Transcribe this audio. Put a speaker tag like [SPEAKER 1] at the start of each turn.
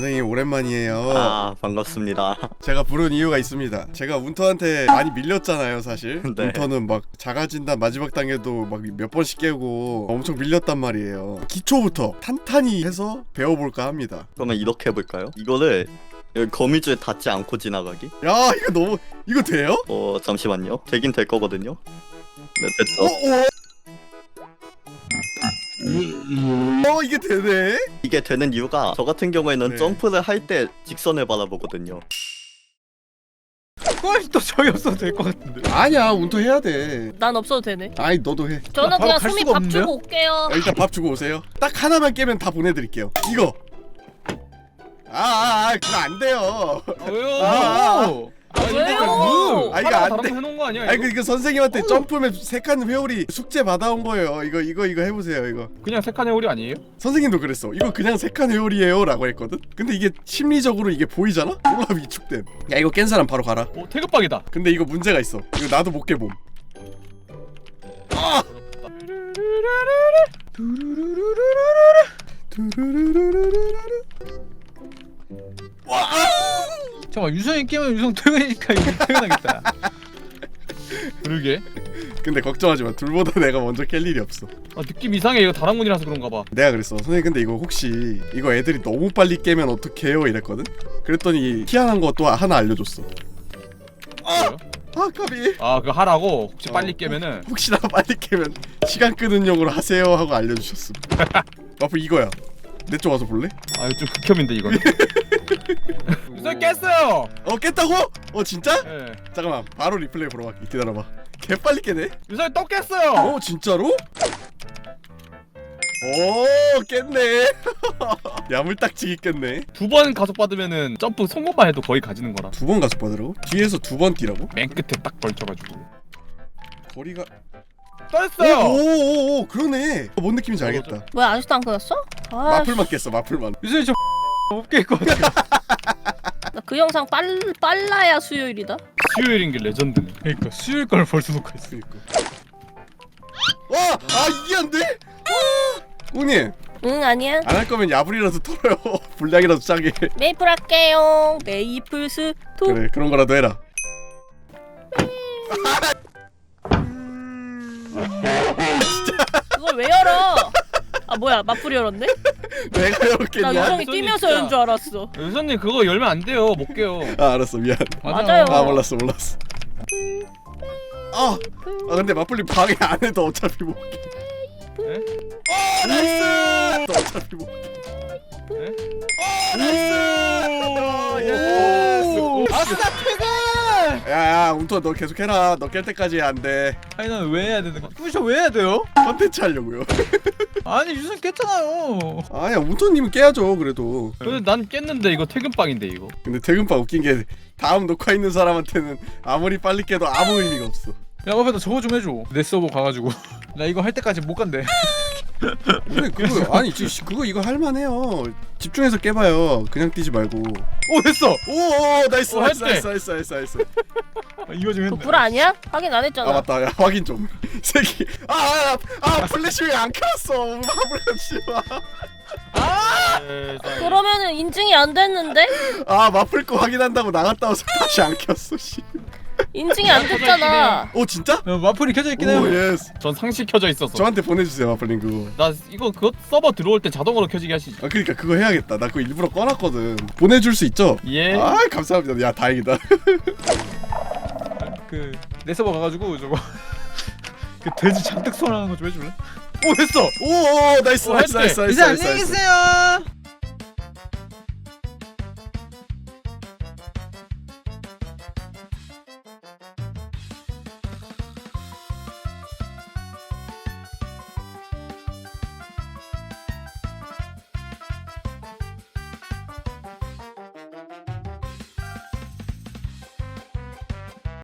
[SPEAKER 1] 선생님 오랜만이에요.
[SPEAKER 2] 아 반갑습니다.
[SPEAKER 1] 제가 부른 이유가 있습니다. 제가 운터한테 많이 밀렸잖아요 사실.
[SPEAKER 2] 네.
[SPEAKER 1] 운터는 막 자가진단 마지막 단계도 막 몇 번씩 깨고 엄청 밀렸단 말이에요. 기초부터 탄탄히 해서 배워볼까 합니다.
[SPEAKER 2] 그러면 이렇게 해볼까요? 이거를 여기 거미줄에 닿지 않고 지나가기?
[SPEAKER 1] 야 이거 너무 이거 돼요?
[SPEAKER 2] 잠시만요. 되긴 될 거거든요. 네 됐죠.
[SPEAKER 1] 이게 되네?
[SPEAKER 2] 이게 되는 이유가 저 같은 경우에는
[SPEAKER 1] 네.
[SPEAKER 2] 점프를 할 때 직선을 바라보거든요.
[SPEAKER 3] 그건 또 저희 없어도 될 것 같은데.
[SPEAKER 1] 아니야 운터 해야 돼.
[SPEAKER 4] 난 없어도 되네.
[SPEAKER 1] 아니 너도 해.
[SPEAKER 4] 저는
[SPEAKER 3] 바로
[SPEAKER 4] 그냥
[SPEAKER 3] 갈
[SPEAKER 4] 수미
[SPEAKER 3] 수가
[SPEAKER 4] 밥
[SPEAKER 3] 없는데요?
[SPEAKER 4] 주고 올게요.
[SPEAKER 1] 일단 밥 주고 오세요. 딱 하나만 깨면 다 보내드릴게요. 이거. 그거 안 돼요.
[SPEAKER 3] 왜요?
[SPEAKER 4] 왜요?
[SPEAKER 1] 아, 이거 안 돼.
[SPEAKER 3] 해놓은 거 아니야?
[SPEAKER 1] 아니
[SPEAKER 3] 이거?
[SPEAKER 1] 그 선생님한테 점프맵 3칸 회오리 숙제 받아온 거예요. 이거 해보세요. 이거
[SPEAKER 3] 그냥 색한 해오리 아니에요?
[SPEAKER 1] 선생님도 그랬어. 이거 그냥 3칸 회오리예요라고 했거든. 근데 이게 심리적으로 이게 보이잖아? 졸라 위축됨. 야 이거 깬 사람 바로 가라.
[SPEAKER 3] 태극박이다.
[SPEAKER 1] 근데 이거 문제가 있어. 이거 나도 못 깨봄. 아!
[SPEAKER 3] 잠깐만 유성이 깨면 유성 퇴근이니까 이거 퇴근하겠다. 그러게.
[SPEAKER 1] 근데 걱정하지 마. 둘보다 내가 먼저 깰 일이 없어.
[SPEAKER 3] 느낌 이상해. 이거 다랑문이라서 그런가 봐.
[SPEAKER 1] 내가 그랬어. 선생님 근데 이거 혹시 이거 애들이 너무 빨리 깨면 어떡해요? 이랬거든. 그랬더니 희한한 거 또 하나 알려줬어.
[SPEAKER 3] 뭐요?
[SPEAKER 1] 까비.
[SPEAKER 3] 그거 하라고 혹시 빨리 깨면은
[SPEAKER 1] 혹시나 빨리 깨면 시간 끄는 용으로 하세요 하고 알려주셨음. 와플 이거야. 내 쪽 와서 볼래?
[SPEAKER 3] 이거 좀 극혐인데 이거는. 유성 깼어요.
[SPEAKER 1] 깼다고? 진짜?
[SPEAKER 3] 예.
[SPEAKER 1] 잠깐만 바로 리플레이 보러 갈게. 기다려봐. 개 빨리 깨네.
[SPEAKER 3] 유성이 또 깼어요.
[SPEAKER 1] 진짜로? 오 깼네. 야물딱지기 깼네.
[SPEAKER 3] 2번 가속 받으면은 점프 성공만 해도 거의 가지는 거라.
[SPEAKER 1] 2번 가속 받으라고? 뒤에서 2번 뛰라고?
[SPEAKER 3] 맨 끝에 딱 걸쳐가지고.
[SPEAKER 1] 거리가
[SPEAKER 3] 떴어요.
[SPEAKER 1] 오오오 그러네. 뭔 느낌인지 알겠다.
[SPEAKER 4] 뭐야 아직도 안 끊었어?
[SPEAKER 1] 마플만 깼어 마플만.
[SPEAKER 3] 유성이 저 못 깰 것 같아.
[SPEAKER 4] 나 그 영상 빨라야 수요일이다.
[SPEAKER 3] 수요일인 게 레전드네. 그러니까 수요일 걸 벌써 놓고 있어.
[SPEAKER 1] 그니까. 이게 안 돼? 웅님
[SPEAKER 4] 응 아니야.
[SPEAKER 1] 안 할 거면 야불이라도 털어요. 분량이라도 짜게.
[SPEAKER 4] 메이플 할게요. 메이플 스톱.
[SPEAKER 1] 그래 그런 거라도 해라.
[SPEAKER 4] 그걸 왜 열어? 뭐야 마플이 열었네?
[SPEAKER 1] 내가
[SPEAKER 4] 나
[SPEAKER 1] 열었겠냐?
[SPEAKER 4] 유성이
[SPEAKER 3] 유성이
[SPEAKER 4] 뛰면서
[SPEAKER 3] 진짜.
[SPEAKER 4] 연 줄 알았어.
[SPEAKER 3] 유성님 그거 열면 안 돼요. 못 깨요.
[SPEAKER 1] 알았어 미안.
[SPEAKER 4] 맞아요.
[SPEAKER 1] 몰랐어. 근데 마플님 방해 안 해도 어차피 못 깨.
[SPEAKER 3] 에?
[SPEAKER 1] 나이스. 또 어차피 못 깨. 나이스.
[SPEAKER 3] 아싸 퇴근!
[SPEAKER 1] 야 운터 너 계속 해라. 너 깰 때까지 안 돼.
[SPEAKER 3] 아니 난 왜 해야 되는 거야? 부셔 왜 해야 돼요?
[SPEAKER 1] 컨텐츠 하려고요.
[SPEAKER 3] 아니 유성 깼잖아요.
[SPEAKER 1] 아니야 운터님은 깨야죠 그래도.
[SPEAKER 3] 근데 난 깼는데 이거 퇴근빵인데 이거.
[SPEAKER 1] 근데 퇴근빵 웃긴 게 다음 녹화 있는 사람한테는 아무리 빨리 깨도 아무 의미가 없어.
[SPEAKER 3] 야 앞에다 저거 좀 해줘. 내 서버 가가지고 나 이거 할 때까지 못 간대.
[SPEAKER 1] 근데 그거 아니 그거 이거 할만해요. 집중해서 깨봐요. 그냥 뛰지 말고.
[SPEAKER 3] 오 됐어.
[SPEAKER 1] 오 나이스
[SPEAKER 3] 했대.
[SPEAKER 1] 나이스.
[SPEAKER 3] 이거 좀
[SPEAKER 4] 그
[SPEAKER 3] 했네.
[SPEAKER 4] 불 아니야? 확인 안 했잖아.
[SPEAKER 1] 맞다. 야 확인 좀. 새끼. 플래시 왜 안 켰어? 마블씨
[SPEAKER 4] 그러면은 인증이 안 됐는데?
[SPEAKER 1] 마플 거 확인한다고 나갔다 와서 다시 안 켰어. 씨.
[SPEAKER 4] 인증이 안 됐잖아.
[SPEAKER 1] 진짜?
[SPEAKER 3] 마플이 켜져 있긴 해요.
[SPEAKER 1] 예스.
[SPEAKER 3] 전 상시 켜져 있었어.
[SPEAKER 1] 저한테 보내주세요 마플님 그거.
[SPEAKER 3] 나 이거 그거 서버 들어올 때 자동으로 켜지게 하시지.
[SPEAKER 1] 그러니까 그거 해야겠다. 나 그거 일부러 꺼놨거든. 보내줄 수 있죠?
[SPEAKER 3] 예.
[SPEAKER 1] 감사합니다. 야 다행이다.
[SPEAKER 3] 그 내 서버 가가지고 저거 그 돼지 잔뜩 소환하는 거 좀 해줄래? 오 됐어.
[SPEAKER 1] 오 나이스.
[SPEAKER 3] 했대.
[SPEAKER 1] 나이스.
[SPEAKER 3] 이제 안녕히 계세요.